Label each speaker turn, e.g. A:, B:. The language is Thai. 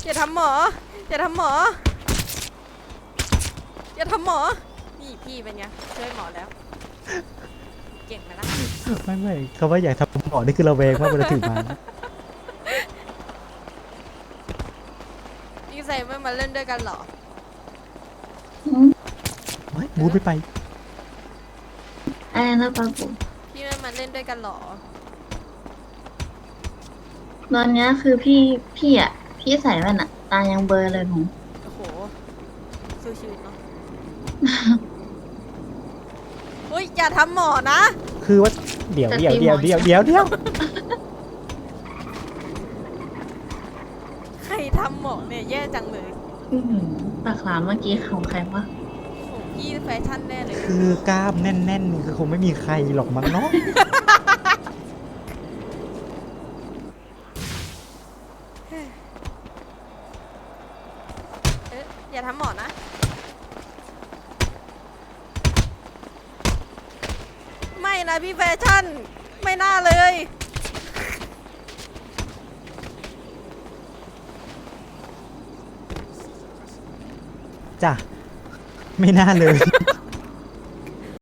A: อย่าทำหมออย่าทำหมออย่าทำหมอนี่พี่เป็นไงช่วยหมอแล้วเก่งไหมล่ะ
B: ไม่คำว่าอยากทำหมอนี่คือระแวงมากเวลาถือไม้
A: พี่ไซไม่มาเล่นด้วยกันเหรอ
B: ไม่บูทไม่ไป
C: อะไรนะปาปู
A: พี่ไม่มาเล่นด้วยกันเหรอ
C: ตอนเนี้ยคือพี่อ่ะพี่ใส่แว่นอ่ะตายังเบลอเลยผม
A: โอ้โหสู้ชีวิตเนาะ เฮ้ยอย่าทำหมอนะ
B: คือว่าเดี๋ยว
A: ใครทำหมอเนี่ยแย่จังเลย
C: อื้อหือปากหลามเมื่อกี้ของใครวะ
A: โอ้พี่แฟชั่นแน่เลย
B: คือกล้ามแน่นๆนี่คือคงไม่มีใครหรอกมั้งเนาะ
A: อย่าทำหมอนะ ไม่นะพี่แฟชั่น ไม่น่าเลย
B: จ้ะไม่น่าเลย